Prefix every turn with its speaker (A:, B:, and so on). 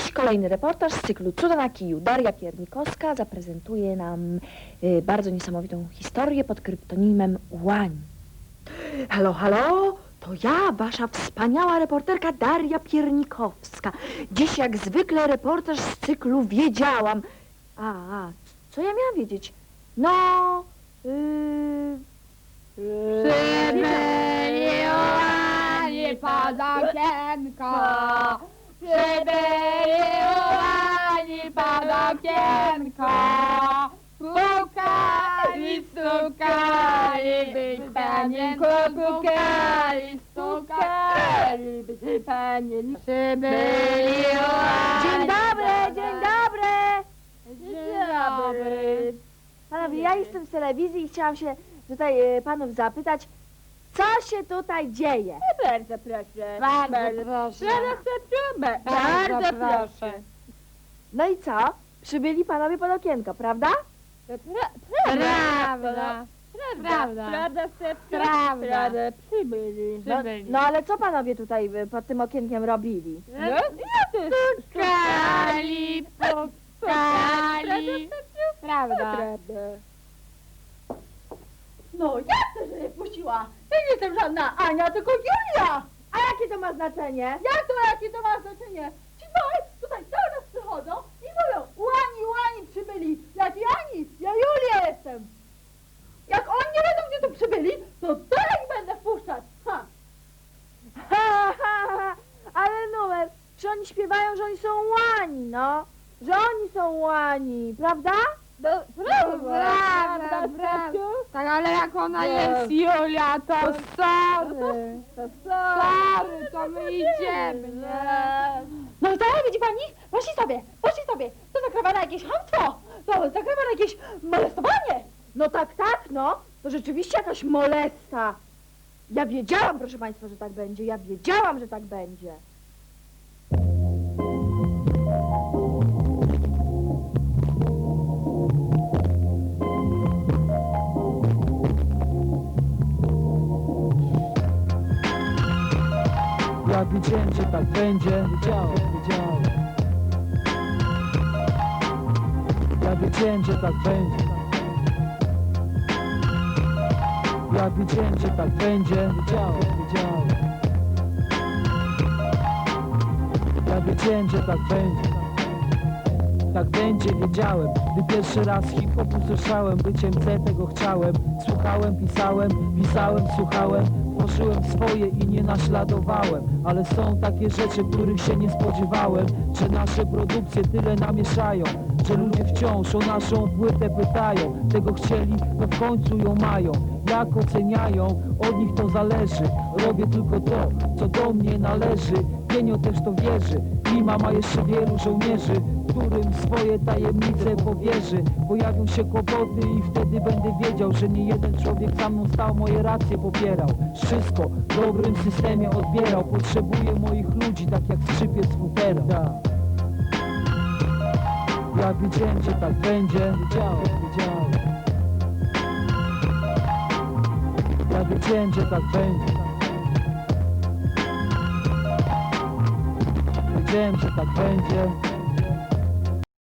A: Dziś kolejny reportaż z cyklu Cuda na kiju. Daria Piernikowska zaprezentuje nam bardzo niesamowitą historię pod kryptonimem Łań.
B: Halo, halo, to ja, wasza wspaniała reporterka Daria Piernikowska. Dziś jak zwykle reportaż z cyklu Wiedziałam. Co ja miałam wiedzieć? No,
C: Przybyli łani pod okienko, przybyli łani pod okienko, pukali, stukali, by panienko pukali, stukali, by panienko. Przybyli łani.
B: dzień dobry, dzień dobry.
C: Dzień dobry.
B: Panowie, ja jestem z telewizji i chciałam się tutaj panów zapytać, co się tutaj dzieje?
C: Bardzo proszę.
D: Bardzo proszę.
C: Bardzo proszę.
B: No i co? Przybyli panowie pod okienko, prawda?
C: Prawda.
D: Prawda.
C: Prawda. Przybyli.
B: No ale co panowie tutaj pod tym okienkiem robili?
C: Pukali, pukali.
D: Prawda.
B: No ja też nie puściła. Ja nie jestem żadna Ania, tylko Julia. A jakie to ma znaczenie? Jakie to ma znaczenie? Ci małe tutaj cały czas przychodzą i mówią, łani przybyli. Jaki Ani? Ja Julia jestem. Jak oni nie wiedzą, gdzie tu przybyli, to ja ich będę wpuszczać. Ale numer, czy oni śpiewają, że oni są łani, no? Że oni są łani, prawda?
C: Prawda. Tak, ale jak ona jest Julia, to sorry. Sorry, to my idziemy, nie?
B: No i tak, widzi pani? Poszli sobie. To zakrywane jakieś chamstwo. To zakrywane jakieś molestowanie. No tak, no. To rzeczywiście jakaś molesta. Ja wiedziałam, proszę państwa, że tak będzie. Ja wiedziałam, że tak będzie.
E: Ja wiedziałem, że tak będzie. Wiedziałem. Ja wiedziałem, że tak będzie. Ja wiedziałem, że tak będzie. Wiedziałem. Ja wiedziałem, że tak będzie. Tak będzie, wiedziałem. Gdy pierwszy raz hip-hop usłyszałem, byciem C tego chciałem. Słuchałem, pisałem, słuchałem. Tworzyłem swoje i nie naśladowałem. Ale są takie rzeczy, których się nie spodziewałem. Że nasze produkcje tyle namieszają, że ludzie wciąż o naszą płytę pytają. Tego chcieli, bo w końcu ją mają. Jak oceniają, od nich to zależy. Robię tylko to, co do mnie należy. Pienio też to wierzy. Klima ma jeszcze wielu żołnierzy, którym swoje tajemnice powierzy. Pojawią się kłopoty i wtedy będę wiedział, że nie jeden człowiek za mną stał, moje racje popierał. Wszystko w dobrym systemie odbierał. Potrzebuję moich ludzi, tak jak skrzypiec futera. Ja wiedziałem, że tak będzie. Wiedziałem. Ja wiedziałem, że tak będzie. Wiedziałem, że tak będzie.